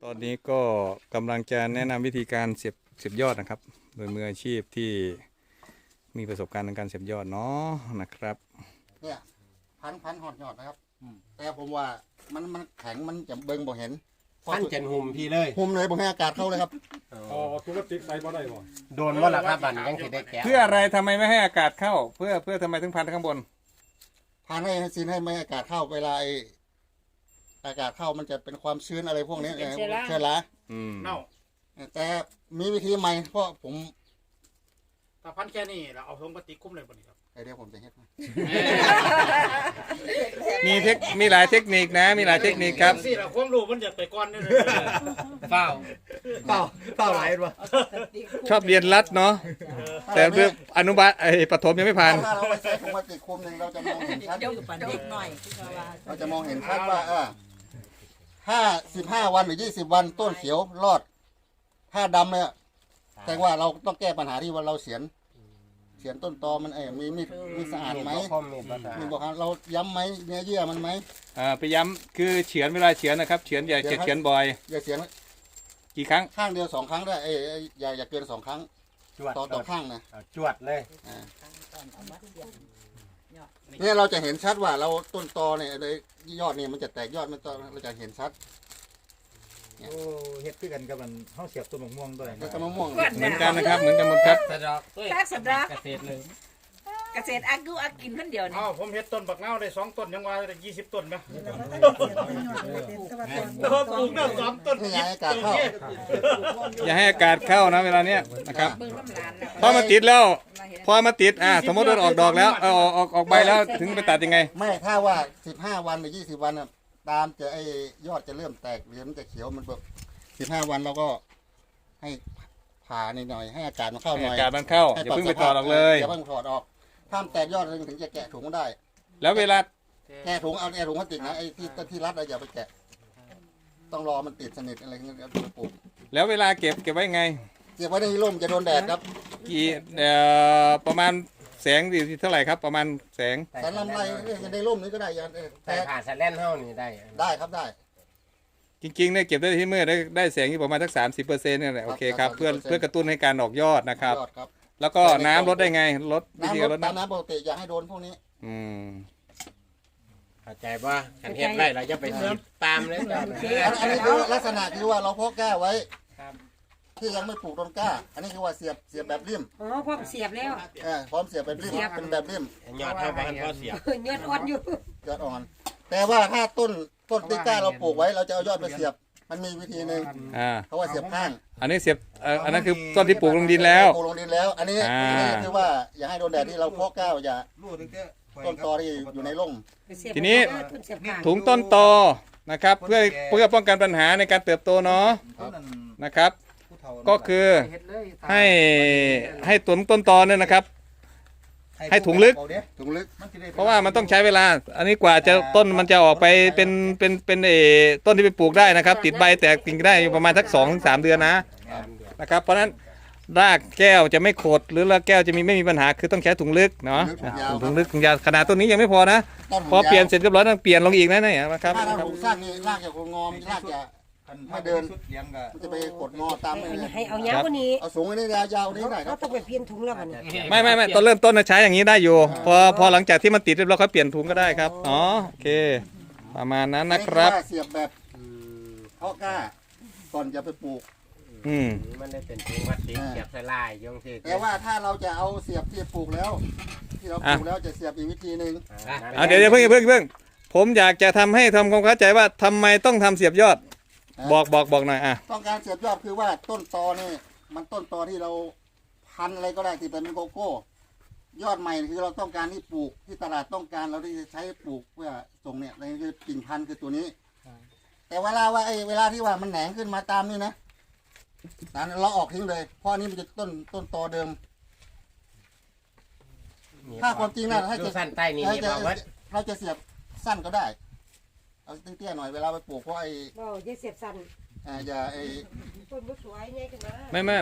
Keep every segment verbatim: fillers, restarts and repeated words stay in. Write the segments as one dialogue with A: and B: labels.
A: ตอนนี้ก็กำลังจะแนะนำวิธีการเสียบเสียบยอดนะครับโดยมืออาชีพที่มีประสบการณ์ในการเสียบยอดเนาะนะครับ
B: เนี่ยพันพันหอดยอดนะครับแต่ผมว่ามันมันแข็งมันจะเบิ่งบ่เห็น
C: พันเจนหุ่มพี่เลย
B: หุ่มเลยบ่ให้อากาศเข้าเลยครับ
D: อ๋อธุรกิจใส่บ่ได้บ่
C: โดนว่าล่ะครับบันยังสิได้แก้
A: เพื่ออะไรทำไมไม่ให้อากาศเข้า เพื่อเพื่อทำไมถึงพันข้างบน
B: พันให้ซีนให้ไม่ให้อากาศเข้าเวลาไออากาศเข้ามันจะเป็นความชื้นอะไรพวกนี้เชื้อรา
D: เน่า
B: แต่มีวิธีใหม่เพราะผม
D: ถ้าพันแค่นี้เราเอาถุงพลาสติกคุ้มเลยบ่นี่ครับ
B: ไอเดียวผมจะเฮ็ด
A: มีเทคมีหลายเทคนิคนะมีหลายเทคนิคครับ
D: สิเราความรู้มันจะไปก่อนนี่
C: เฝ้า
B: เฝ้าเฝ้าหลายบ่
A: ชอบเรียนรัดเนาะแต่เรื่องอนุบาลไอ้ประถมยังไม่ผ่าน
B: ถ้าเราไปใส่ถุงพลาสติกคุมนึงเราจะมองเห็นชัดเราจะมองเห็นชัดว่าเออห้าสิบห้าวันหรือยี่สิบวันต้นเขียวรอดถ้าดำเนี่ยแสดงว่าเราต้องแก้ปัญหาที่ว่าเราเสียนเสียนต้นตอมันเออมีมีมีสะอาดไหมมีบอกครับเราย้ำไหมเนื้อเยื่อมันไหม
A: อ่าไปย้ำคือเฉือนเวลาเฉือนนะครับเฉือนอย่าเฉือนบ่อย
B: อย่าเฉือน
A: กี่ครั้ง
B: ข้างเดียวสองครั้งได้เอ้อย่าอย่าเกินสองครั้งต่อต่อข้างนะ
C: จวดเลย
B: เนี่ยเราจะเห็นชัดว่าเราต้นตอเนี่ยยอดเนี่ยมันจะแตกยอดมันเราจะเห็นชัด
E: โอ้เฮ็ดคือกันกับมันเฮาเสียบต้นมะม่วงด้วย
B: ต้นมะม่วง
A: เหมือนกันนะครับเหมือนกันหมดครับ
C: สะดอก
F: ตักสะดอก
C: เกษตรเลย
F: เกษตรอักดูอักกินคนเดียวนี่
D: อ๋อผมเฮ็ดต้นบักนาวได้สองต้นยังว่าได้ยี่สิบต้นมั้ยตัวปลูกได้สองต้น
B: อย่าให้อากาศเข้า
A: อย่าให้อากาศเข้านะเวลาเนี้ยนะครับพอมาติดแล้วพอมาติดอ่าสมมติว่าออกดอกแล้วเออออกออกออกใบแล้วถึงไปตัดยังไง
B: ไม่ถ้าว่าสิบห้าวันหรือยี่สิบวันตามจะไอ้ยอดจะเริ่มแตกเหลือมันจะเขียวมันแบบสิบห้าวันเราก็ให้ผ่าหน่อยให้อากาศมันเข้าหน่อย
A: อากาศมันเข้าอย่าเพิ่งไปถอดออกเลย
B: อย่าเพิ่งถอดออกถ้าแตกยอดถึงจะแกะถุงได้
A: แล้วเวลา
B: แกะถุงเอาแกะถุงพลาสติกนะไอ้ที่ที่รัดอย่าไปแกะต้องรอมันติดสนิทอะไรเงี้ยเอาไปปลูก
A: แล้วเวลาเก็บเก็บไว้ไง
B: เก็บไว้ในร่มจะโดนแดดครับ
A: กี่เอ่อประมาณแสงดีเท่าไหร่ครับประมาณแสง
B: แสงลำไรในร่มนี้ก็ได้ยัน
C: แต่ผ่านสแลนเท่านี้ได้
B: ได้ครับได้
A: จริงๆเนี่ยเก็บได้ที่มืดได้ได้แสงที่ประมาณสักสามสิบเปอร์เซ็นต์นี่แหละโอเคครับเพื่อเพื่อกระตุ้นให้การออกยอดนะครับแล้วก็น้ำลดได้ไงลด
B: วิธีการลดน้ำปกติอย่าให้โดนพวกนี้
A: อืม
C: เข้าใจว่าขันเฮ็ดไรเราจะไปสีตามเลย
B: อันนี้คือลักษณะคือว่าเราเพาะแก้ไว้ที่ยังไม่ปลูกต้นกล้าอันนี้คือว่าเสียบเสียบแบบริม
F: อ๋อพร้อมเสียบแล้ว
B: เออพร้อมเสียบแบบริมเป็นแบบริม
C: ยอดเท่าบ้านพ่อเสียบ
F: ยอดอ่อนอยู่
B: ยอดอ่อนแต่ว่าถ้าต้นต้นที่กล้าเราปลูกไว้เราจะเอายอดไปเสียบมันมีวิธีหนึ่ง
A: อ่า
B: เขาว่าเสียบข้าง
A: อันนี้เสียบอันนั้นคือต้นที่ปลูกลงดินแล้ว
B: ปลูกลงดินแล้วอันนี้อันนี้คือว่าอย่าให้โดนแดดที่เราเพาะกล้าอย่าต้นตอที่อยู่ในร่ม
A: ทีนี้ถุงต้นตอนะครับเพื่อเพื่อป้องกันปัญหาในการเติบโตเนาะนะครับก็คือให้ให้ต้นต้นตอเนี่ยนะครับให้ถุงลึก
B: ถุงลึก
A: เพราะว่ามันต้องใช้เวลาอันนี้กว่าจะต้นมันจะออกไปเป็นเป็นเป็นเอต้นที่ไปปลูกได้นะครับติดใบแตกกิ่งได้อยู่ประมาณสักสองถึงสามเดือนนะนะครับเพราะฉะนั้นรากแก้วจะไม่ขดหรือรากแก้วจะมีไม่มีปัญหาคือต้องใช้ถุงลึกเนาะถุงลึกถุงยาวขนาดต้นนี้ยังไม่พอนะพอเปลี่ยนเสร็จเรียบร้อยต้องเปลี่ยนลงอีกนะเนี่ยนะครับ
B: ถ้าเราสร้างนี่รากจะงอมรากจะไม่เดินจะไปกดงอตาม
F: ให้เอายาวกว่านี้
B: เอาสูงกว่านี้ยาวนี้ได้ครับ
F: ต้องไปเปลี่ยนถุงแล้วมัน
A: ไม่ไม่ไม่ตอนเริ่มต้นใช้อย่างนี้ได้อยู่พอพอหลังจากที่มันติดเรียบร้อยเขาเปลี่ยนถุงก็ได้ครับอ๋อโอเคประมาณนั้นนะครับ
B: เสียบแบบเพาะกล้าก่อนจะไปปลูก
A: อืม
C: มันได้เป็นถุงพลาสติกเสียบใส่ลายยงสิ
B: แต่ว่าถ้าเราจะเอาเสียบที่ปลูกแล้วที่เราปลูกแล้วจะเสียบอีกวิธีหนึ่ง
A: อ่ะเดี๋ยวเดี๋ยวเพิ่งเพิ่งเพิ่งผมอยากจะทำให้ทำความเข้าใจว่าทำไมต้องทำเสียบยอดบอกบอกบอกหน่อยอ่ะ
B: ต้องการเสียบยอดคือว่าต้นตอนี่มันต้นตอที่เราพันอะไรก็ได้ที่เป็นโกโก้ยอดใหม่คือเราต้องการที่ปลูกที่ตลาดต้องการเราที่จะใช้ปลูกเพื่อส่งเนี่ยนี่คือกิ่งพันธุ์คือตัวนี้แต่เวลาว่าไอ้เวลาที่ว่ามันแหนงขึ้นมาตามนี่นะนั้นเราออกทิ้งเลยเพราะนี้มันจะต้นต้นตอเดิมถ้าความจริงนะถ้าจะ
C: สั้นใต้นี้
B: เราจะเสียบสั้นก็ได้เอาเตี้ยๆหน่อยเวลาไปปลูกเพราะไอ้
F: บ่อย่าเสียบสั้น
B: อ่าอย่าไอ้
F: ต้นสวยไงกันนะ
A: ไม่ไม่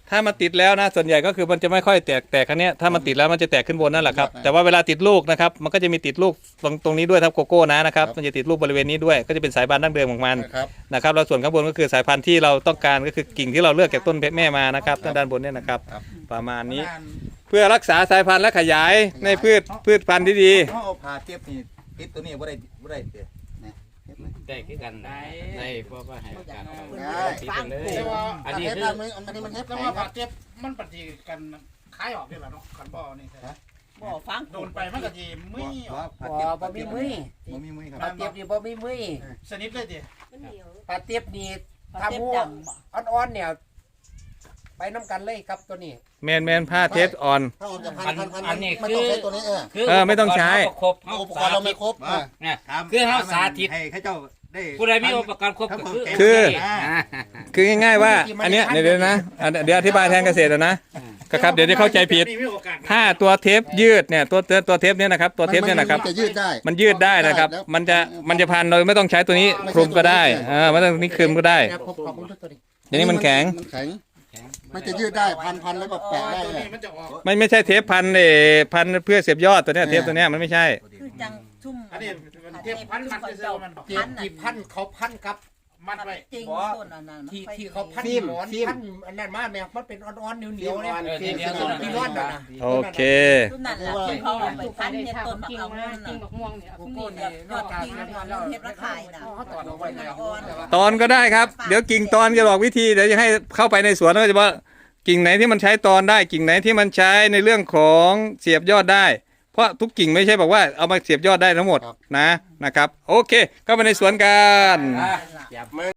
A: ถ้ามันติดแล้วนะส่วนใหญ่ก็คือมันจะไม่ค่อยแตกแตกอันเนี้ยถ้ามันติดแล้วมันจะแตกขึ้นบนนั่นแหละครับแต่ว่าเวลาติดลูกนะครับมันก็จะมีติดลูกตรงตรงนี้ด้วยครับโกโก้นะนะครับมันจะติดลูกบริเวณนี้ด้วยก็จะเป็นสายพันธุ์ดั้งเดิมของมัน
B: นะครับ
A: นะครับแล้วส่วนข้างบนก็คือสายพันธุ์ที่เราต้องการก็คือกิ่งที่เราเลือกจากต้นเพชรแม่มานะครับด้านด้านบนเนี่ยนะครับ
B: ครับ
A: ประมาณนี้เพื่อรักษาสายพันธุ์และขยายในพืชพืชพันธุ์ที่ดี
E: เขาเอาผ่าเจ็บนี่ติดตัวนี้บ่ได้บ่ได้เด้
G: ได้คือกันได้ได้เพราะว่าให้โอกาสเขา
B: ได้
G: ติดกันเลย
D: แต่ว่า
G: อัน
B: อัน
G: นี้
B: นี้
G: คือ
B: มันอันนี้มันเฮ็ด
D: แต่
B: แข็
D: ว่าง
B: ค
D: บา
B: รับ
D: ดเจ็บมันปฏิกันคล้ายออกนี่แหละเนาะขันบ่อนี่
H: บ่ฟัง
D: โดนไปมันก็สิมึยออก
E: ผ่า
H: บ่
E: เจ็บ
H: บ่มีมือ
E: บ่มีมือครับ
H: ปลาเตียบนี่บ่มีมือ
D: สนิทเลยดิ
F: มันเหนียว
H: ปลาเตียบนี่
F: ปลา
H: ถ้า
F: เตี๊ยบ
H: หมู
F: ด
H: อ่อนๆเนี่ยไปน้ำกันเลยครับตัวนี้
A: แมนแมนผ้าเทปอ่อน
B: ถ้าออกจากพันพันพัน
G: อันนี้
B: ไม่
G: คื
B: ต้อง
G: อ
B: ใช้ตัวนี้เออ
G: คือ
A: เออไม่ต้องใช้
G: อุปกรณ์เขาก็ครบ
B: อุปกรณ์เราไม่ครบอ่ะ
G: เนี่ยคือเขาสาธิต
E: ให้เขาเจ้าได้
G: ผู้ใดมีอุปกรณ์ครบก็คือ
A: คือ
G: อ่า
A: คือง่ายๆว่าอันเนี้ยเดี๋ยวเดี๋ยวนะอ่ะเดี๋ยวอธิบายแทนเกษตรแล้วนะก็ครับเดี๋ยวจะเข้าใจผิด
D: มีโอกาส
A: ถ้าตัวเทปยืดเนี่ยตัวตัวตัวเทปเนี่ยนะครับตัวเทปเนี่ยนะครับ
B: มัจะยืดได้
A: มันยืดได้นะครับ
B: แล้ว
A: มันจะมันจะพันโดยไม่ต้องใช้ตัวนี้คลุมก็ได้เออไม่ต้องนี้คลุมก็ได้
H: แต่ผมขอบคุณตัวนี้
A: อย่างนี้มันแข็ง
B: มันแข็งมันจะยืดได้พันพันแล้วก็แปะได้
D: ตัว
B: เลย
D: นี้มันจะออก
A: ไม่ไม่ใช่เทปพันเออพันเพื่อเสียบยอดตัวเนี้ยเทปตัวเนี้ยมันไม่ใช่
H: คือจังชุ่ม
D: อันนี้มันเทียบพันมันจะเซลมัน
H: เตียบที่พันเขาพันกับ
D: มัดไว้
H: จริงต้นอันนั้นที่ที่เขาพันหมอนพันอันนั้นมาแม่มันเป็นอ่อนๆเหนียวๆเนี่ย
G: เออที่เดียว
H: ที่ร้อนน่ะนะ
A: โอเค
H: ต้นนั้นแหละที่เขาเอาไปพันเฮ็ดต้นมะเอานั่น
F: กิ่ง
H: น่ะ
F: บักม่วงเนี่ย
H: โกโก้นี่นอกจากนั้นเราเฮ็ดราคายน่ะเขาตอดเอาไว้แล้ว
A: ตอนก็ได้ครับเดี๋ยวกิ่งตอนจะบอกวิธีเดี๋ยวจะให้เข้าไปในสวนแล้วก็จะว่ากิ่งไหนที่มันใช้ตอนได้กิ่งไหนที่มันใช้ในเรื่องของเสียบยอดได้ เพราะทุกกิ่งไม่ใช่บอกว่าเอามาเสียบยอดได้ทั้งหมดนะนะครับโอเคเข้าไปในสวนกัน
C: จับมือ